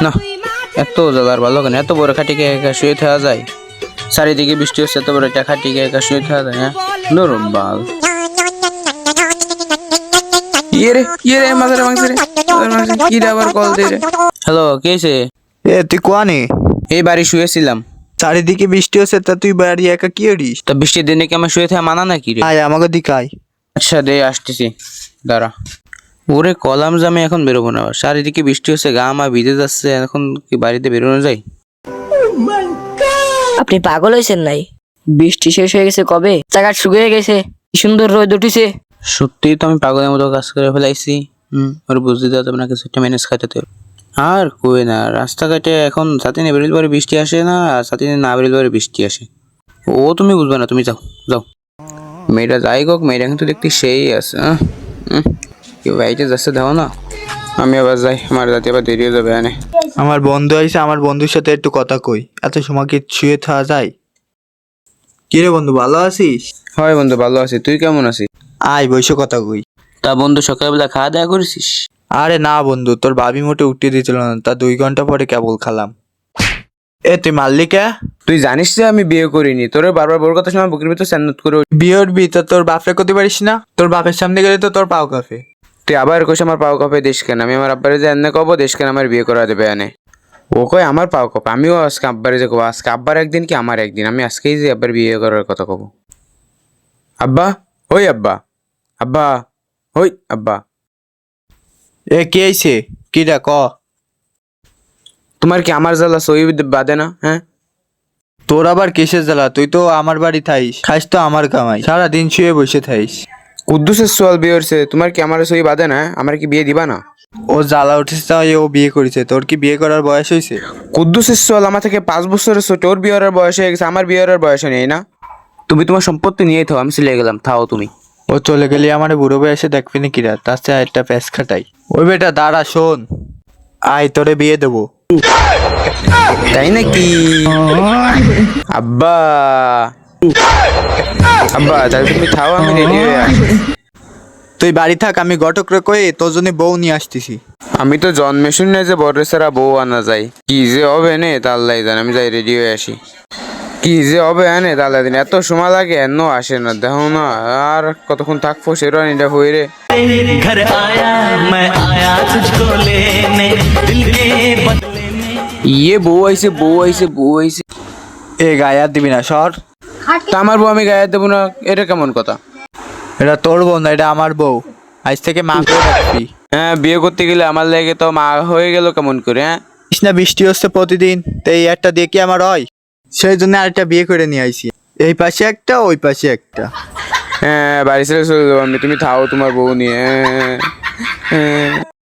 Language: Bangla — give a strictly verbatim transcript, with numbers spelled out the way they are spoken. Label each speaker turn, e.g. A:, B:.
A: না এত জ্বালার ভালো কেন? এত বড় খাটিকে একা শুয়ে থাকা যায়? চারিদিকে বৃষ্টি হচ্ছে, এত বড় একটা খাটিকে একা শুয়ে থাকা যায়? হ্যাঁ নরম বাল। ইয়ে রে ইয়ে রে মাথারে মাংস রে কি রে আবার কল দিয়ে রে। হ্যালো, কে আছে?
B: এ তুই কোয়ানে?
A: এই বাড়ি শুয়েছিলাম।
B: চারিদিকে বৃষ্টি হচ্ছে, তা তুই বাড়ি একা কি করিস?
A: তা বৃষ্টির দিনে কি আমার শুয়ে থাকা মানা নাকি রে?
B: আয় আমাকে দিকে আয়।
A: আচ্ছা দে আসতেছি, দাঁড়া। ওরে কলাম জামে এখন বেরোবো না, চারিদিকে বৃষ্টি হচ্ছে, গা মা ভিজে যাচ্ছে, এখন কি বাড়িতে বেরোনো যায়?
C: আপনি পাগল হয়েছেন নাই? বৃষ্টি শেষ হয়ে গেছে কবে, জায়গা শুকিয়ে গেছে, কি সুন্দর রোদ উঠিছে।
A: সত্যি তো আমি পাগলের মতো কাজ করে ফেলাইছি। হুম ওর বুঝতে দেওয়া যাবে না, কিছু একটা ম্যানেজ খাইতে হবে। আর কই না, রাস্তাঘাটে এখন ছাতি নিয়ে বেরোলে পরে বৃষ্টি আসে না, আর ছাতি নিয়ে না বেরোলে পরে বৃষ্টি আসে। ও তুমি বুঝবে না, তুমি যাও যাও। মেয়েটা যাই হোক, মেয়েটা কিন্তু দেখতে সেই আছে। হুম কেউ বাইটে যাচ্ছে দেখো না। আমি আবার যাই, আমার যাতে আবার দেরি হয়ে যাবে এনে।
B: আমার বন্ধু আইছে, আমার বন্ধুর সাথে একটু কথা কই। এত সময় কি শুয়ে থাকা যায়? কি রে বন্ধু, ভালো আছিস?
A: হয় বন্ধু ভালো আছি, তুই কেমন আছিস?
B: আয় বসে কথা কই।
A: তা বন্ধু সকালবেলা খাওয়া দাওয়া করেছিস?
B: আরে না বন্ধু, তোর ভাবি মোটে উঠিয়ে দিয়েছিল না, তা দুই ঘন্টা পরে কেবল খালাম। এ তুই মারলি কে?
A: তুই জানিস যে আমি বিয়ে করিনি, তোর বারবার বড় কথা শোনা বুকের ভিতর স্যান্নত করে।
B: বিয়ের বি তা তোর বাপরে করতে পারিস না? তোর বাপের সামনে গেলে তো তোর পাও কাফে।
A: তুই আবার কোষ আমার পাও কপে দেশ কেন? আমি আমার আব্বারে যে এনে কব দেশ কেন আমার বিয়ে করা দেবে এনে। ও কয় আমার পাও কপ, আমিও আজকে আব্বারে যে কব আজকে আব্বার একদিন কি আমার একদিন, আমি আজকেই যে আব্বার বিয়ে করার কথা কব। আব্বা ওই আব্বা, আব্বা ওই আব্বা।
B: এ কে আইছে? কিটা ক?
A: তোমার কি আমার জ্বালা সই বাদে না? হ্যাঁ
B: তোর আবার কিসের জ্বালা? তুই তো আমার বাড়ি থাইস, খাইস তো আমার কামাই, সারাদিন শুয়ে বসে থাইস।
A: কুদ্দুসের সোয়াল বিয়ে হচ্ছে, তোমার কি আমার সই বাদে না? আমার কি বিয়ে দিবা না?
B: ও জ্বালা উঠেছে তাই ও বিয়ে করেছে, তোর কি বিয়ে করার বয়স হয়েছে?
A: কুদ্দুসের সোয়াল আমার থেকে পাঁচ বছরের ছোট, ওর বিয়ে করার বয়স হয়ে গেছে, আমার বিয়ে করার বয়স নেই না। তুমি তোমার সম্পত্তি নিয়েই থাও, আমি চলে গেলাম, থাও তুমি।
B: ও চলে গেলে আমার বুড়ো বয়সে দেখবি না কিরা, তার চেয়ে একটা প্যাঁচ খাটাই। ওই বেটা দাঁড়া, শোন, আয় তোরে বিয়ে দেবো।
A: তাই নাকি? আব্বা আব্বা তাহলে তুমি থাও, আমি রেডি হয়ে আসি।
B: তুই বাড়ি থাক, আমি ঘটক রে কয়ে তোর জন্য বউ নিয়ে আসতেছি।
A: আমি তো জন্মে শুনে যে বড় সারা বউ আনা যায়, কি যে হবে নে তাল্লাই জান, আমি যাই রেডি হয়ে আসি। কি যে হবে এনে তাল্লাই দিন, এত সময় লাগে এন আসে না, দেখো না আর কতক্ষণ থাকবো সেটা এটা হয়ে রে।
D: घर आया मैं आया तुझको लेने दिल के बदले में।
A: ইয়ে বউ আইছে বউ আইছে বউ আইছে।
B: এ গায়ে আর দিবি না, সর।
A: তা আমার বউ আমি গায়ে দেবো না, এটা কেমন কথা?
B: এটা তোর বউ না, এটা আমার বউ, আজ থেকে মা করে রাখবি।
A: হ্যাঁ বিয়ে করতে গেলে আমার লাগে তো মা হয়ে গেল কেমন করে? হ্যাঁ
B: না বৃষ্টি হচ্ছে প্রতিদিন, তো এই একটা দিয়ে কি আমার হয়? সেই জন্য আরেকটা বিয়ে করে নিয়ে আইছি, এই পাশে একটা ওই পাশে একটা।
A: হ্যাঁ বাড়ি ছেড়ে চলে যাবো আমি, তুমি থাও তোমার বউ নিয়ে। হ্যাঁ, হ্যাঁ।